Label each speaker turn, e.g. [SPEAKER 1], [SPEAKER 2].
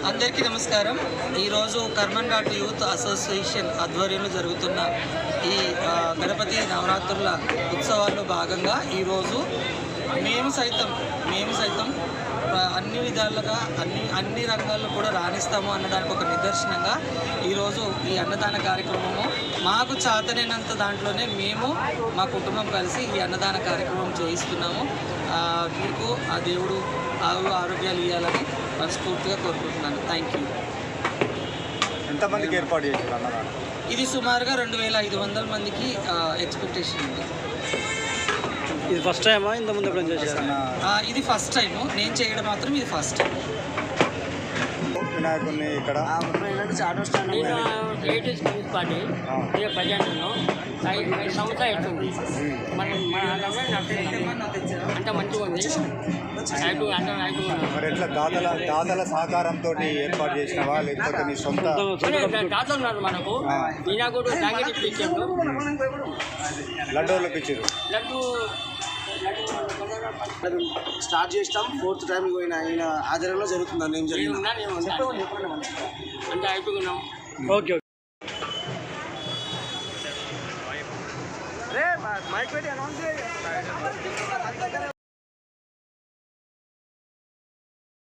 [SPEAKER 1] అందరికీ నమస్కారం. ఈరోజు కర్మన్ ఘాట్ యూత్ అసోసియేషన్ ఆధ్వర్యంలో జరుగుతున్న ఈ గణపతి నవరాత్రుల ఉత్సవాల్లో భాగంగా ఈరోజు మేము సైతం అన్ని విధాలుగా అన్ని రంగాల్లో కూడా రాణిస్తాము అన్నదానికి ఒక నిదర్శనంగా ఈరోజు ఈ అన్నదాన కార్యక్రమము మాకు చాతనైనంత దాంట్లోనే మేము మా కుటుంబం కలిసి ఈ అన్నదాన కార్యక్రమం చేయిస్తున్నాము. మీకు ఆ దేవుడు ఆరోగ్యాలు ఇవ్వాలని మనస్ఫూర్తిగా కోరుకుంటున్నాను. Thank you.
[SPEAKER 2] ఎంతమందికి ఏర్పాటు చేశారు అన్నదానం?
[SPEAKER 1] ఇది సుమారుగా 2500 మందికి ఎక్స్పెక్టేషన్ ఉంది.
[SPEAKER 3] ఇది ఫస్ట్ టైమా ఇంతకుముందు ఎప్పుడైనా చేశారు?
[SPEAKER 1] ఇది ఫస్ట్ టైము, నేను చేయడం మాత్రం ఇది ఫస్ట్ టైం.
[SPEAKER 2] వినాయకుడిని ఇక్కడ
[SPEAKER 4] లేటెస్ట్ కమ్యూనిస్ట్ పార్టీ ప్రజెంట్ను 5 సంవత్సరాలు అవుతుంది. అంత మంచిగా ఉంది.
[SPEAKER 2] మరి ఎట్లా దాతల సహకారంతో ఏర్పాటు చేసినవా లేకపోతే నీ సొంత
[SPEAKER 4] దాతలు ఉన్నారు మనకు. ఈనాడు జాకెట్ ఇప్పించారు,
[SPEAKER 2] లడ్డూలకు ఇచ్చారు.
[SPEAKER 4] లడ్డు
[SPEAKER 3] స్టార్ట్ చేస్తాం. 4th టైం ఈయన ఆధ్వర్యంలో జరుగుతుంది. ఏం జరిగింది
[SPEAKER 4] అంటే అయిపోయినాం.
[SPEAKER 3] ఓకే.
[SPEAKER 2] మైక్ పెట్టి అనౌన్స్